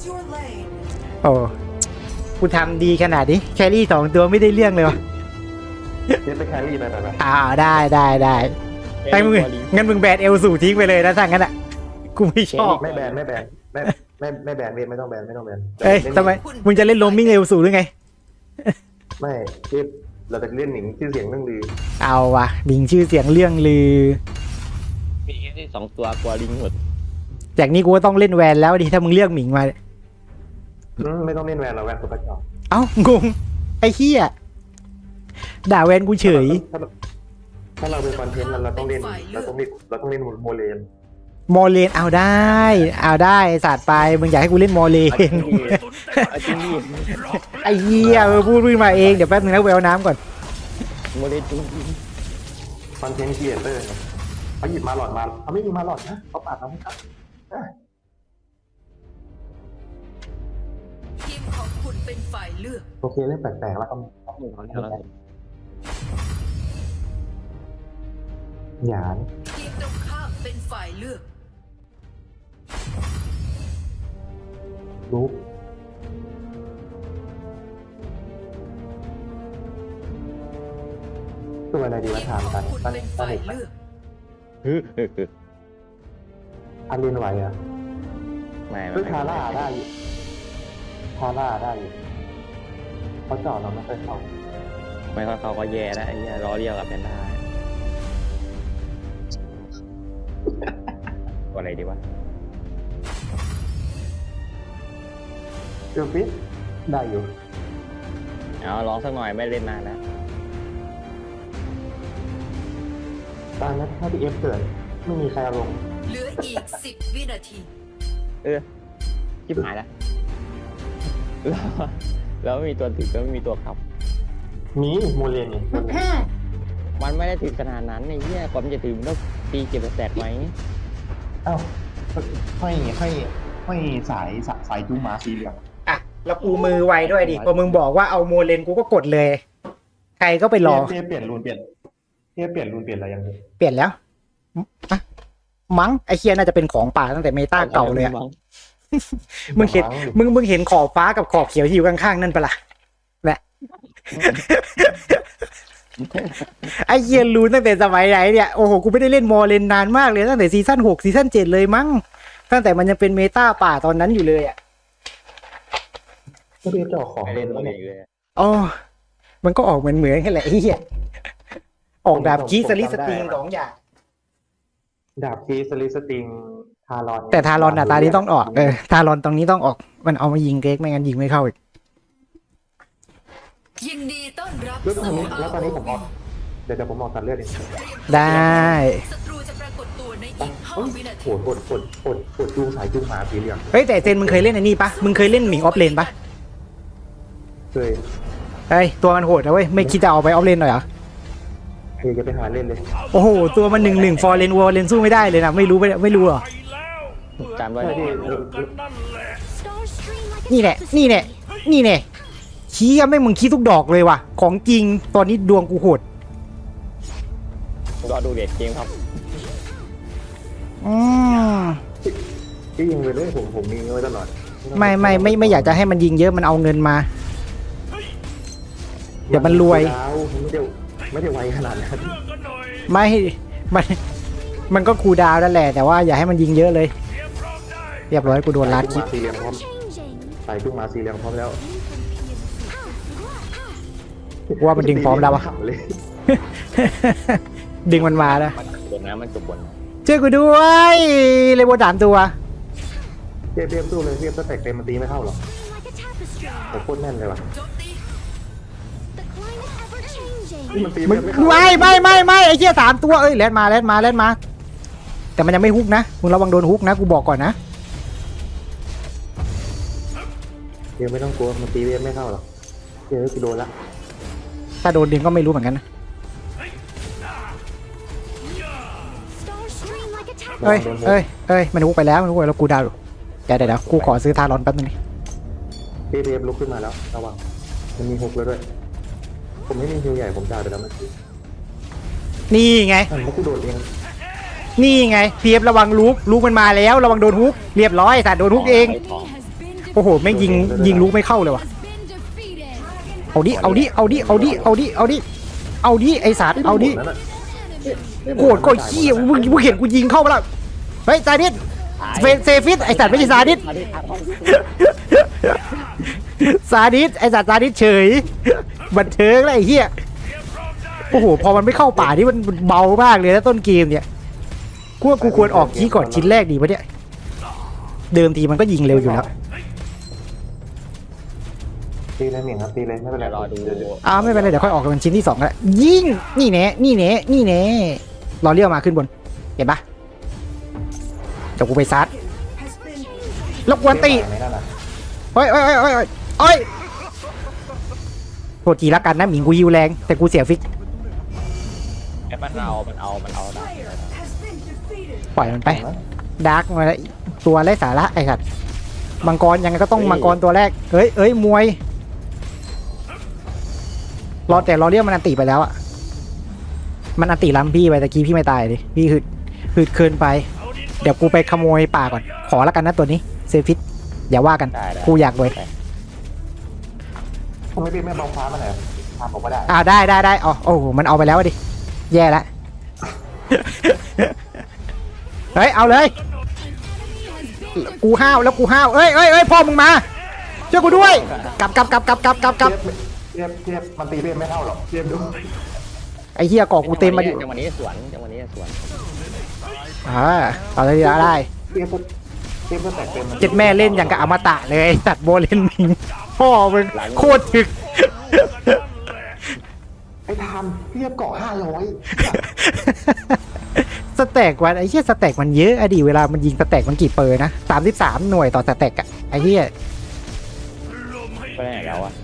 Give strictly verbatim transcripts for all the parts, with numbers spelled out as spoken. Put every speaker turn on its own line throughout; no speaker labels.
โอ้กูทำดีขนาดนี้แครี่สองตัวไม่ได้เรื่องเลยวะ
เล่นไปแครี่ไปไปไป
อ่าได้ได้ได้ไปมึงงั้นมึงแบนเอลสูทิ้งไปเลยนะถ้างั้นอ่ะกูไม่ชอบ
ไม่แบนไม่แบนไม่ไม่ไม่แบนเวทไม่ต้องแบนไม่ต้องแบน
เอ้ยทำไมมึงจะเล่นโรมมิ่งเอลสูหรือไง
ไม่ที่เราจะเล่นหนิงชื่อเสียงเรื่องลือ
เอาวะดิงชื่อเสียงเรื่องลือ
มีแค่ที่สองตัวกลัวลิงหมด
จากนี้กูก็ต้องเล่นแวนแล้วดิถ้ามึงเลือกหมิงมา
อืมไม่ต้องเล่นแวนเราแวนตัวกระจอก
เอ้างงไอ้เหี้ยด่าแวนกูเฉย
ถ้าเราถ้าเราเป็นคอนเทนต์เราต้องเล่นเราต้องเล่นเราต้องเล่นโมเลน
โมเลนเอาได้ เอาได้ศาสตร์ไปมึงอยากให้กูเล่นโมเลน
เอาจริงดิ
ไอ้เหี้ยเออพูดขึ้นมาเองเดี๋ยวแป๊บนึงนะแววน้ำก่อน
โมเดลจริง
คอนเทนต์ครีเอเตอร์เขาหยิบมาหลอดมาเขาไม่มีมาหลอดนะเขาปาดเราไม่ครับ
ทีมของคุณเป็นฝ่ายเลือก
โอเคเล่นแปลกๆแล้วก็ หยาน
ทีมตรงข้ามเป็นฝ่ายเลือก
ลุกตัวอะไรดี
ที
วะ
ม
ถาม
ขอ
กั
ง
น
คุณ
ตั้ง
เป็น
ตั้ง
ฝ่าย
เด็ก
เลือก
ฮึฮึฮึ
อันเรียนไหวอ่ะ
ไม่
เฮ้ยทาร่าได้อยู่ทาร่าได้อยู่เขาเจาะเราไม่เคยเข้า
ไม่เขาเขาก็แย่แล้วไอ้เหี้ยล้อเรียวกับแพนด้าตัวอะไรดีวะ
เดี๋ยวฟิตได้อยู่
เอาลองสักหน่อยไม่เล่นนานแล้ว
ตอนนั้นถ้าพี่เอฟเกิดไม่มีใครเอาลง
เหลืออีกสิบวินาที
เออชิบหายแล้วแล้วแล้วไม่มีตัวถึกแล้วไม่มีตัวขับ
มีโมเรียนเนี่ย
มันไม่ได้ถึงขนาดนั้นไอ้เหี้ยกว่ามันจะถึงมันต้องตีเก็บแตกไหม
เอ้าห้อยห้อยห้อยสายสายจูงมาสีเหลือง
อ่ะแล้วกูมือไวด้วยดิพอมึงบอกว่าเอาโมเลนกูก็กดเลย ใครก็ไปรอ
เทียเปลี่ยนรูนเปลี่ยนเทียเปลี่ยนรูนเปลี่ยนอะไรยังไง
เปลี่ยนแล้วอะมั้งไอเคียน่าจะเป็นของป่าตั้งแต่เมตาเก่าเลยอะมึงเห็นมึงมึงเห็นขอบฟ้ากับขอบเขียวที่อยู่ข้างๆนั่นปะล่ะแหละไอเคียรู้ตั้งแต่สมัยไหนเนี่ยโอ้โหกูไม่ได้เล่นมอเลนนานมากเลยตั้งแต่ซีซั่นหกซีซั่นเจ็ดเลยมั้งตั้งแต่มันยังเป็นเมตาป่าตอนนั้นอยู่เลยอะ
ก็เรียกเจ้าของ
ไม่
เล่
เล่
น
น
แล้
ตัว
ว
เอ
เนี่ย
งเลย
อ๋อมันก็ออกเหมือนเหมือนกันแหละไอ้เหี้ยออกดาบคีสลิสติงสองอย่าง
ดาบคีสลิสติงทารอน
แต่ทารอนอ่ะตานี้ต้องออกเออทารอนตรงนี้ต้องออกมันเอามายิงเก๊กไม่งั้นยิงไม่เข้าอีก
ยินดีต้อนรับ
แล้วตอน
สู่
นี้แล้วตอนนี้ผมออกเดี๋ยวเดี๋ยวผมออกตัดเลือดเอง
ได้
ศัตรูจะปรากฏตัวในอีกห้าวินา
โห
ที
ดโหดโหดโหดโหดจูงสายจูงหมาสีเหลือง
เฮ้ยแต่เซนมึงเคยเล่นอันนี้ปะมึงเคยเล่นหมิงออฟเลนปะ
เคย
เฮ้ยตัวมันโหดนะเว้ยไม่คิดจะเอาไปออฟเลนหน่อยเหรอ
เคยจะไปหาเล่นเลย
โอ้โหตัวมันหนึ่งหนึ่งฟอร์เลนวอร์เลนสู้ไม่ได้เลยนะไม่รู้ไม่ไม่รู้เหรอ
จำไว้
ใช่
นะ
ที่
นี่แหละนี่แหละนี่แหละชี้อะไม่มึงขี้ทุกดอกเลยว่ะของจริงตอนนี้ดวงกูโหด
รอดูเด็ดเกมครับ
อืม
ที่ยิงไปเลยผมผมมีไว้ตลอด
ไม่ไม่ไม่ไม่อยากจะให้มันยิงเยอะมันเอาเงินมา เดี๋ยวมันรวย
ไม่ได้ไม่ได้ไวขนาดนั้น
ไม่มันมันก็คูลดาวน์นั่นแหละแต่ว่าอย่าให้มันยิงเยอะเลยเรียบร้อยกูโดนลัดคลิป
สีเหลืองพร้อมสายจูงมาสีเหลืองพร้อมแล้ว
กูว่ามันดึงพร้อมแล้ววะ
เลย
ดึงมันมาแล้ว
บนนะมันจบบนนะ
ช่วยกูด้วยเลยโบสามตัว
เทียบเทียบสู้เลยเทียบสแต็กเต็มมันตีไม่เข้าหรอกผมโคตรแน่นเลยว่ะ
โจมตี
นี่มันตี
มึง
ไม่เข้า
ไม่ไม่ไม่ไม่ไอ้เหี้ยสามตัวเอ้ยแลนมาแลนมาแลนมา แต่มันยังไม่ฮุกนะมึงระวังโดนฮุกนะกูบอกก่อนนะ
เดี๋ยวไม่ต้องกลัวมันตีเวฟไม่เข้าหรอกเดี๋ยวกูโดนละ
ถ้าโดนดึงก็ไม่รู้เหมือนกันนะเอ้ยเอ้ยเอ้ยมันฮุกไปแล้วมันฮุกไปแล้วกูดาวอยู่เดี๋ยวเดี๋ยวเดี๋ยวกูขอซื้อทารอนแป๊บนึงนี่
เวฟลุกขึ้นมาแล้วระวังมันมีหกแล้วด้วยผมไม่มีฮิวใหญ่ผมจ่ายไปแล้วเมื่อกี้
นี่ไง
อันนี้กูโดดเอง
นี่ไงเพียบระวังลูกลูกมันมาแล้วระวังโดนฮุกเรียบร้อยสัตว์โดนฮุกเอง
ไทอง
โอ้โหแม่งยิงยิงลูกไม่เข้าเลยว่ะเอาดิเอาดิเอาดิเอาดิเอาดิเอาดิเอาดิไอสัตว์เอาดิ
นั่นน่ะ
โกรธก็ขี้ยมึงมึงเห็นกูยิงเข้าไปแล้วเฮ้ยซาดิสเฟเซฟิสไอสัตว์ไม่ใช่ซาดิส
อันนี้ครับ
ซาดิสไอสัตว์ซาดิสเฉยบันเทิงแล้วไอ้เหี้ยโอ้โหพอมันไม่เข้าป่านี่มันเบามากเลยนะต้นเกมเนี่ยกูว่ากูควรออกขี้ก่อนชิ้นแรกดีปะเนี่ยเดิมทีมันก็ยิงเร็วอยู่แล้ว
ตีเลยหมิ่งครับตีเลยไม่เป็นไร
เดี๋ยวรอดู
เดี๋ยวเดี๋ยว
อ้าวไม่เป็นไรเดี๋ยวค่อยออกกันชิ้นที่สองก็ได้ยิงนี่แน่นี่แน่นี่แน่รอเลี้ยวมาขึ้นบนเห็นปะเดี๋ยวกูไปซัดแล้วกวนตี
ไม่นั่นน่ะ
เฮ้ยเฮ้ยเฮ้ยเฮ้ยเฮ้ยเฮ้ยโทษทีละกันนะหมิงกูยิวแรงแต่กูเสียฟิก
ไอ้มันเอามันเอามันเอาได้
ปล่อยมันไปดาร์กมาแล้วตัวไร้สาระไอ้สัตว์มังกรยังไงก็ต้องมังกรตัวแรกเอ้ยเอ้ยมวยรอแต่รอเรียกมันอันติไปแล้วอะมันอันติล้ำพี่ไปตะกี้พี่ไม่ตายดิพี่หืดหืดเกินไปเดี๋ยวกูไปขโมยป่าก่อนขอแล้วกันนะตัวนี้เซฟิตอย่าว่ากัน
ได้ได้
กูอยากเลย
ทำไมพี่ไม่เบาฟ้ามาหน่อยทำผมก็ได้
อ่าได้ได้ได้อ๋อโอ้โหมันเอาไปแล้วดิแย่ละ เฮ้ยเอาเลยกูห้าวแล้วกูห้าวเอ้ยเอ้ยเอ้ยพ่อมึงมาช่วยกูด้วยกลับกลับกลับกลับกลับกลับกลับ
เทียบเทียบมันตีเพียบไม่เท่าหรอกเทียบดู
ไอ้เหี้ยกอกกูเต็มมาดิ
จังหวะนี้สวนจังหวะนี้สวน
อ่าเอาเลยดีละได้
เทียบก็เทียบก็แตกเต็ม
เจ็ดแม่เล่นอย่างกับอมตะเลยไอ้สัตว์โบเล่นมิงพ่อมึงโคตรถึก
ไอ้ทามเทียบเกาะห้าร้อย
สแต็กวันไอ้เหี้ยสแต็กมันเยอะอะดิเวลามันยิงสแต็กมันกี่เปอร์นะสามสิบสามหน่วยต่อสแต็กอะไอ้เหี้ย
ไปไหนแล้วอะ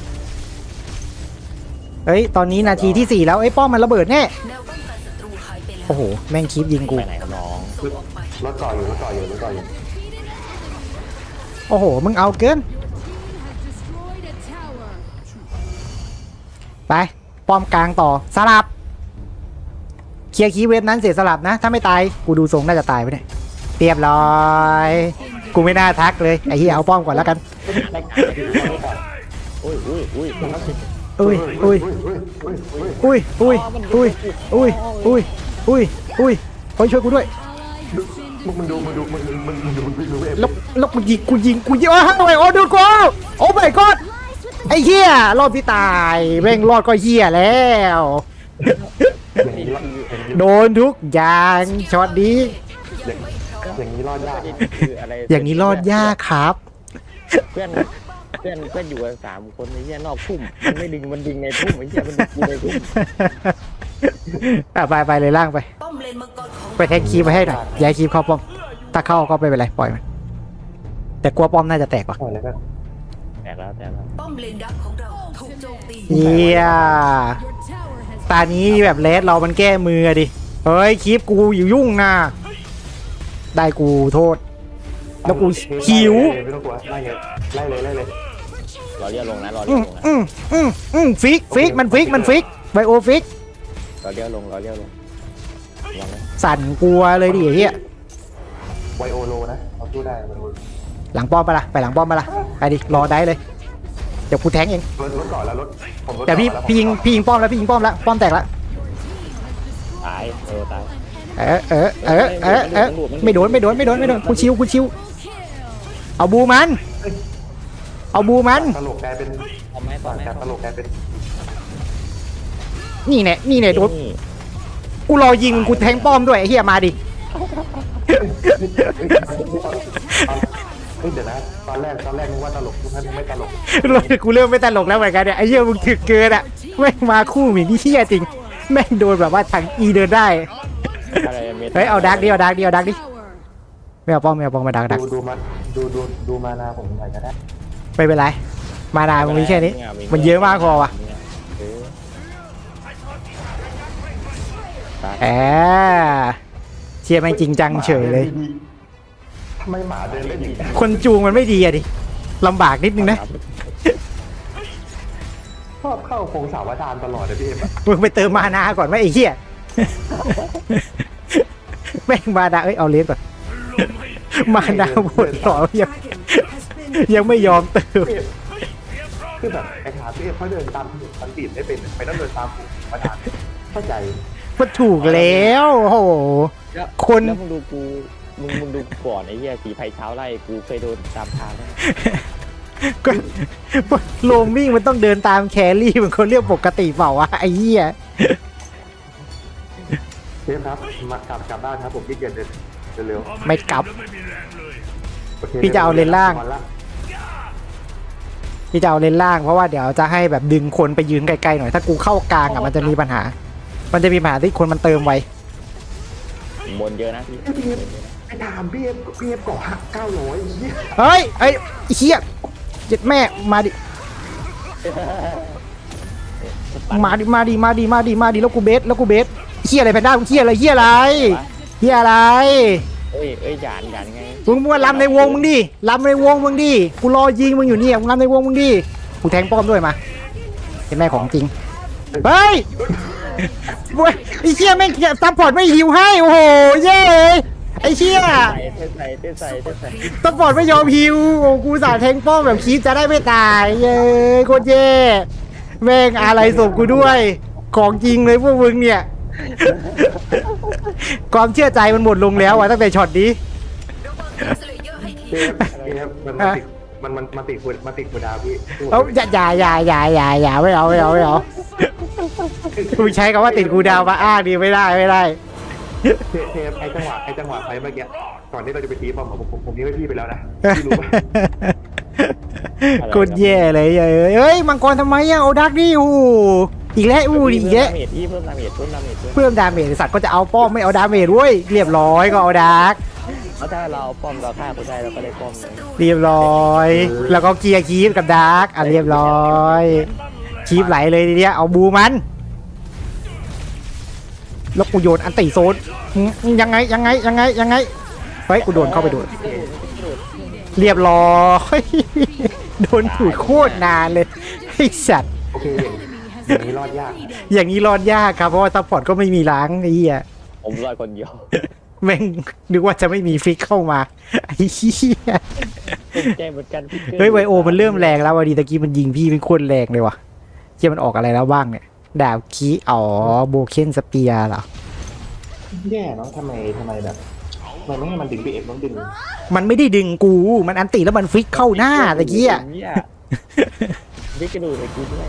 เอ้ยตอนนี้นาทีที่สี่แล้วไอ้ยป้อมมันระเบิดแน่
แนวป้องกันศัตรูหายไปแล้ว
โอ้โหแม่งคีบยิงกู
ไปไหนครับน้อง
ส่งออกไป
รถเกาะอยู่รถเกาะอยู่รถเกาะอยู่
โอ้โหมึงเอาเกินไปป้อมกลางต่อสลับเคลียร์คีย์เวฟนั้นเสียสลับนะถ้าไม่ตายกูดูทรงน่าจะตายไปเนี่ยเรียบร้อยกูไม่น่าทักเลยไอ้เหี้ยเอาป้อมก่อนแล้วกัน
ได้การอุ้ยอุ้ยอุ้ย
อุ้ยอุ้ย
อุ้ยอุ้ยอุ้ย
อุ้ยอุ้ยอุ้ยอุ้ยอุ้ยอุ้ยอุ้ยเฮ้ยช่วยกูด้วย
มึงมึงดูมึงดูมึงมึงมึงดูมึงดูเอฟ
แล้วแล้วกูยิงกูยิงกูยิงโอ้ยโอ้ยโอ้ดูกูโอ้ my god ไอ้เหี้ยรอดพี่ตายแม่งรอดก็เหี้ยแล้ว
อย่างนี้รอด
โดนทุกอย่างช็อตนี้
อย่างนี้รอดยาก
คืออะไร
อย่างนี้รอดยากครับ
เพื่อนเพื่อนเพื่อนอยู่กันสามคนไอ้เหี้ยนอกพุ่มมันไม่ดึงมันดึงในพุ่มไอ้เหี้ยมันดึงกูในพุ่ม
อ่ะไปไปเลยล่างไป
ป้อมเลนมังกรของ
ไปแทงคีบไปให้หน่อยย้ายคีบเข้าป้อมถ้าเข้าก็ไม่เป็นไรปล่อยมันแต่กลัวป้อมน่าจะแตกว่ะ
โอ้ยแล้วก็
แตกแล้วแตกแล้ว
ป้อมเลนดักของเราถูกโจมตี
เหี้ยตานี้แบบเลสเรามันแก้มือดิเฮ้ยคีบกูอยู่ยุ่งนะได้กูโทษ แล้วกูหิว
ไม่ต้องกลัวไล่เลยไล่เลยไล่เลย
รอเรียกลงนะรอ
อื
เรียก
ม
ลงนะ
อืมอืมอืมฟิกฟิกมันฟิกมันฟิกไบโอฟิก
รอเรียกลงรอเรียกลงลองนะ
สั่นกลัวเลยดิไอ้เฮีย
ไวโอโลนะเอาสู้ได้มัน
หลังป้อมไปะละไปหลังป้อมไปะละไปดิรอได้เลยเดี๋ยวกูแทงเอง
รถรถก่อนแล้วรถผมรถ
แต่พี่พี่ยิงพี่ยิงป้อมแล้วพี่ยิงป้อมแล้วป้อมแตกแล้ว
ตายเออตาย
เออเออเออเออเออไม่โดนไม่โดนไม่โดนไม่โดนกูชิวกูชิวเอาบูมัน เอาบูมัน
ตลกกลายเป็น
เอาไหมต่อ
ต่าง
ไหม
จากตลกกลายเป็น
นี่แน่นี่แน่โดน
นี่
กูรอยิงกูแทงป้อมด้วยไอ้เฮียมาดิ
เฮ้ยเดี๋ยวนะตอนแรกตอนแรกนึกว่าตลกทุกท่านไม่ตลก
กูเริ่มไม่ตลกแล้วเหมือนกันเนี่ยไอ้เหี้ยมึงถึกเกินอ่ะแม่งมาคู่หมีนี่เหี้ยจริงแม่งโดนแบบว่าทางอีเดินได้
อะไรม
เฮ้ยเอาดักดิเอาดักดิเอาดักดิไม่เอาป้อมไม่เอาป้อมมาดักดัก
ดูดูมาดูดูดูมานาผมหน่อยก็ได้
ไม่เป็นไรมานามึงมีแค่นี้มันเยอะมากพอว่ะ
เออ
แหมเชียร์แม่งจริงจังเฉยเลย
ทำไมหมาเดินเล่นอย่างนี้
คนจูงมันไม่ดีอะดิลำบากนิดนึงนะ
ชอบเข้าโคงสาวดานตลอดเลยพี่เอ็มอะ
มึงไปเติมมานาก่อนไหมไอ้เหี้ยแม่งมานาเอ้ยเอาเลนก่อนมานาหมดต่อยังยังไม่ยอมเติม
พี่เอฟคือแบบไอ้ขาพี่เอฟเขาเดินตามถนนมันตีดไม่เป็นไปต้องเดินตามผมมาทานเข้าใจ
มันถูกแล้วโอ้โห
แล้ว
คน
แล้วมึงดูกูมึงมึงดูกูก่อนไอ้เหี้ยสีไผ่เช้าไล่กูเคยโดนตามทางแล้ว
ก็โลมมิ่งมันต้องเดินตามแครี่มันคนเรียกปกติเปล่าวะไอ้เหี้ย
เชฟครับมากลับกลับบ้านครับผมขี้เกียจเดินเร็ว
ไม่กลับ
ๆโอค
พี่จะเอาเลนล่าง
นละ
พี่จะเอาเลนล่างเพราะว่าเดี๋ยวจะให้แบบดึงคนไปยืนไกลๆหน่อยถ้ากูเข้ากลางอ่ะมันจะมีปัญหา มันจะมีปัญหาที่คนมันเติมไว
บนเยอะนะพี่
พี่เอฟไอ้ถามพี่เอฟพี่เอฟเกาะหักเก้าร้อยเหี้ย
เฮ้ยไอ้ไอ้เหี้ยเจ็ดแม่มาดิมาดิมาดิมาดิมาดิมาดิแล้วกูเบสแล้วกูเบสเหี้ยอะไรแพนด้ามึงเหี้ยอะไรเหี้ยอะไรเหี้ยอะไร
เอ้ยเอ้ยหยานหยานไง
มึงมาลำในวงมึงดิลำในวงมึงดิกูรอยิงมึงอยู่เนี่ยมึงลำในวงมึงดิกูแทงป้อมด้วยมาเป็นแม่ของจริงเฮ้ยเว้ยไอ้เชี่ยแม่งซัพพอร์ตไม่หิวให้โอ้โหเย้ไอ้เชี่ย
ใส่เต้นใส่เต้นใส่เต้นใส่
ซัพพอร์ตไม่ยอมหิวโอ้กูสาแทงป้อมแบบคีบจะได้ไม่ตายเย้โคตรเย่แม่งอะไรศพกูด้วยของจริงเลยพวกมึงเนี่ย ความเชื่อใจมันหมดลงแล้วอะตั้งแต่ช็อตนี้
พี่เอฟพี่เอฟมันมันติดมันมันมันติดคุณมันติดคุณดาวพี่
เอาอย่าอย่าอย่าอย่าอย่าอย่าไม่เอาไม่เอาไม่เอากูใช้คำว่าติดกูดาวมาอ้างดีไม่ได้ไม่ได้
เทเทปไอ้จังหวะไอ้จังหวะไฟเมื่อกี้ก่อนที่เราจะไปตีบอมผมผมผมยิงให้พี่ไปแล้วนะพี่รู้ปะ
กดแย่เลยเอ้ยเฮ้ยมังกรทำไมอะเอาดักดิอู้อีกแล้วอู้อีกแล้ว
เพิ่มดาเมจพี่เพิ่มดาเมจเพิ่มดาเมจเพิ่ม
เพิ่มดาเมจสัตว์ก็จะเอาป้อมไม่เอาดาเมจเว้ยเรียบร้อยก็เอาดัก
แล้วถ้าเราป้อมเราฆ่าเขาได้เราก็ได้ป้อมเลย
เรียบร้อย แล้วก็เกียร์คีฟกับดักอ่ะเรียบร้อยคีฟไหลเลยทีเนี้ยเอาบูมันแล้วกูโยนอันติโซนยังไงยังไงยังไงยังไงเฮ้ยกูโดนเข้าไปโดนเรียบร้อยโดนถูกโคตรนานเลยไอ้สัตว์
โอเคอย่างนี้รอดยาก
อย่างนี้รอดยากครับเพราะว่าซัพพอร์ตก็ไม่มีล้างไอ้เหี้ย
ผมรอดคนเดียว
แม่งนึกว่าจะไม่มีฟิกเข้ามาไอ้เหี้ย
ผมใจเหมือนกันพี่
เฮ้ยไวโอมันเริ่มแรงแล้ววันดีตะกี้มันยิงพี่เป็นโคตรแรงเลยว่ะเหี้ยมันออกอะไรแล้วบ้างเนี่ยดาบคีอ๋อโบเคนสเปียร์เหรอ
แย่เนาะทำไมทำไมแบบมันไม่ให้มันดึงพี่เอฟต้องดึง
มันไม่ได้ดึงกู มันอันติแล้วมันฟิกเข้าหน้าตะกี้อ่ะ
พี่กระดูกไอ้กูด้วย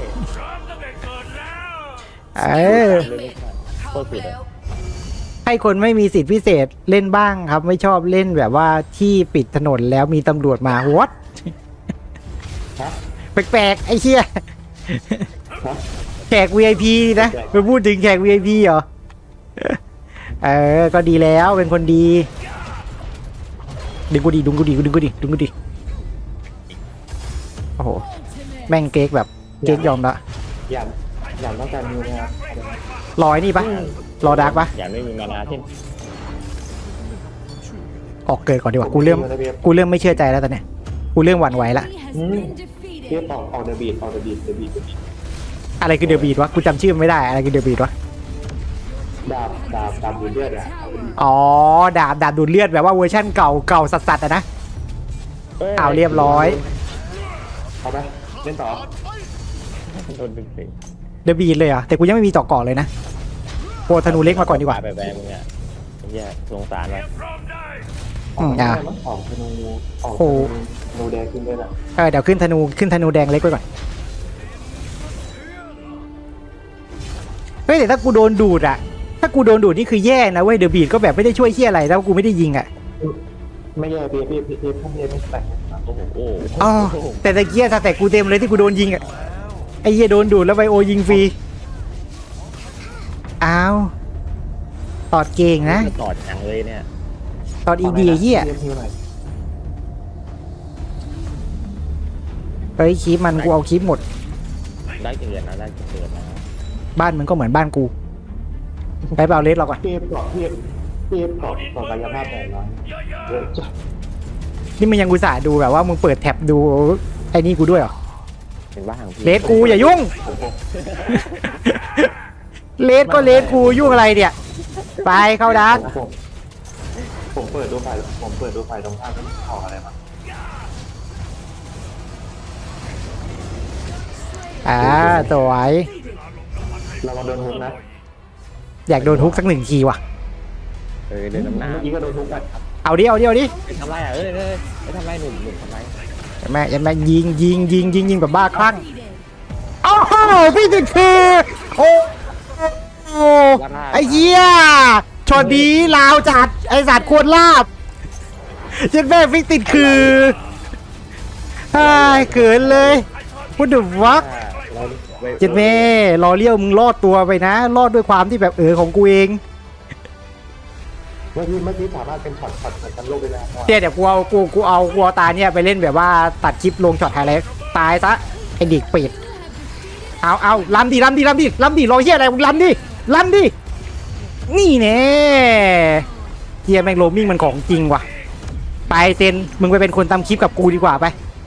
เออ
โคตรสุดอะ
ให้คนไม่มีสิทธิพิเศษเล่นบ้างครับ ไม่ชอบเล่นแบบว่าที่ปิดถนนแล้วมีตำรวจมาวัด
ฮะ
แปลกๆไอ้เหี้ย
ฮะ
แขก วี ไอ พี นะไปพูดถึงแขก วี ไอ พี เหรอ เออ ก็ดีแล้วเป็นคนดี ดึงกูดีดึงกูดีดึงกูดีดึงกูดีโอ้โห แม่งเก๊กแบบเก๊กยอมละ
อย่าอย่าต้องการนิวนะครับ
รอยนี่ปะรอดาร์กปะ
อย่างไม่มีมานาที่
ออกเกิดก่อนดีกว่า กูเริ่ม กูเริ่มไม่เชื่อใจแล้วตอนเนี้ย กูเริ่มหวั่นไหวละ
เทียบออกออกเดอะบีทออกเดอะบีทเดอะบีทเดอะบีท
อะไรคือเดอะบีดวะ กูจำชื่อมันไม่ได้ อะไรคือเดอะบีดวะ
ดาบดาบดาบดูเลือดอ่ะ
อ๋อ ดาบดาบดูดเลือดแบบว่าเวอร์ชั่นเก่าเก่าสัสๆอะนะ เอาเรียบร้อย
เอาไปเล่นต่อ
โดนดึงสิ
เดอะบีดเลยเหรอ่ะแต่กูยังไม่มีเจาะเกาะเลยนะโปรธนูเล็กมาก่อนดีกว่า
ไปแบมึงอ่ะเฮียสงสารว่ะ
อืมอ่ะ
ออกธนูออก
โอ้
ธนูแดงขึ้นด้วยนะ
เออเดี๋ยวขึ้นธนูขึ้นธนูแดงเล็กไว้ก่อนเฮ้ยแต่ถ้ากูโดนดูดอะถ้ากูโดนดูดนี่คือแย่นะเว้ยเดอะบีดก็แบบไม่ได้ช่วยเชี่ยอะไรแล้วกูไม่ได้ยิงอะ
ไม่แย่พี่พี่พี่พี่พี่ไม่แตก
โอ้โหโอ้
อ๋อแต่ตะเกียถ้าแต่กูเต็มเลยที่กูโดนยิงอะไอ้เหี้ยโดนดูดแล้วไวโอยิงฟรีอ้าวตอดเก่งนะ
ตอดจังเลยเนี่ย
ตอดอีดีไอ้เหี้ยเฮ้ยคลิปมันกูเอาคลิปหมด
ได้เกินนะได้เกินนะ
บ้านมันก็เหมือนบ้านกูไปเปล่าเลสเราก่อน
พี่เกาะพี่พี่เกาะเกาะกายภาพแปดร้อยเยอะจัด
นี่มันยังอุตส่าห์ดูแบบว่ามึงเปิดแท็บดูไอ้นี่กูด้วยเหรอ
เป็นบ้าของพี่
เลสกูอย่ายุ่ง เลสก็เลสกูยุ่งอะไรเนี่ยไปเข้าดัก
ผมผมเปิดดูไฟผมเปิดดูไฟตรงข้ามแล้วออกอะไรมา
อ่าสวย
เรามาโดนฮุกนะ
อยากโดนทุกสักหนึ่งทีว่ะ
เออเดินน้ำหน้า
เมื่อกี้ก็โดนฮุกกัน
เอาดิเอาดิเอาดิ
ไปทำไรอ่ะเออเออไปทำไรหนุ่มหนุ่มทำไร
อย่าแม่อย่าแม่ยิงยิงยิงยิงยิงแบบบ้าคลั่งโอ้โหพี่ติดคือโอ้โหไอ้เหี้ยช็อตนี้ลาวจัดไอ้สัตว์ควรลาบเจ็ดแม่ฟิกติดคือไอ้เกินเลยพูดถึงวัก
เราไป
เจ็ดแม่รอเลี้ยวมึงรอดตัวไปนะ รอดด้วยความที่แบบเออของกูเอง
เมื่อกี้เมื่อกี้สามารถเป็นช็อตช็อตช็อตกันโลกได้แล้ว
เดี๋ยวเดี๋ยวกูเอากูกูเอากูเอาตาเนี่ยไปเล่นแบบว่าตัดคลิปลงช็อตไฮไลท์ตายซะไอ้เด็กเป็ดเอาเอาลำดิลำดิลำดิลำดิรอเฮียอะไรมึงลำดิลำดินี่แน่เฮียแม่งโรมมิ่งมันของจริงว่ะไปเซนมึงไปเป็นคนทำคลิปกับกูดีกว่าไป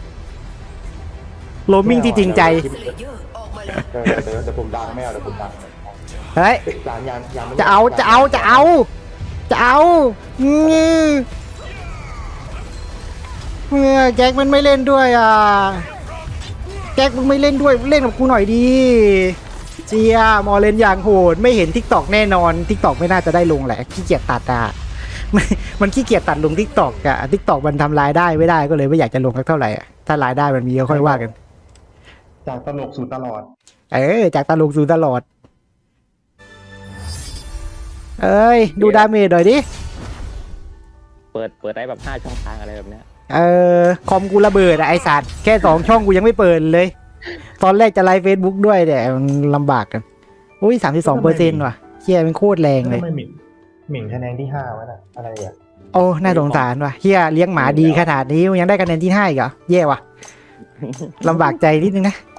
โรมมิ่งที่จริงใจ
สเลเยอร์ออกมาแล้ว
เออเดี๋ยวเดี๋ยวผมดังไม่เอาเดี๋ยวผมดัง
เฮ้ย
จานยางยาง
จะเอาจะเอาจะเอาจะเอาอือเมื่อแจ็คมันไม่เล่นด้วยอ่ะแจ็คมึงไม่เล่นด้วยเล่นกับกูหน่อยดีเจียมอเล่นอย่างโหดไม่เห็นทิกตอกแน่นอนทิกตอกไม่น่าจะได้ลงแหละขี้เกียจตัดอ่ะ มันมันขี้เกียจตัดลงทิกตอกอ่ะทิกตอกมันทำรายได้ไม่ได้ก็เลยไม่อยากจะลงสักเท่าไหร่อ่ะถ้ารายได้มันมีก็ค่อยว่ากัน
จากตลกสู่ตลอด
เออจากตลกสู่ตลอดเอ้ยดูดาเมจหน่อยดิ
เปิดเปิดได้แบบห้าช่องทางอะไรแบบเนี้ย
เออคอมกูระเบิดอะไอสัตว์แค่สองช่องกูยังไม่เปิดเลย ตอนแรกจะไลฟ์เฟซบุ๊กด้วยแต่มันลำบากกันอุ้ยสามสิบสองเปอร์เซ็นต์ว่ะเฮียเป็นโคตรแรงเลย
ทำไมหมิ่นหมิ่นคะแนนที่ห้าวะน่ะอะไรอ่ะ
โอ้น่าสงสารว่ะเฮียเลี้ยงหมาดีขนาดนี้ยังได้คะแนนที่ห้าอีกเหรอแย่ว่ะลำบากใจนิดนึงนะ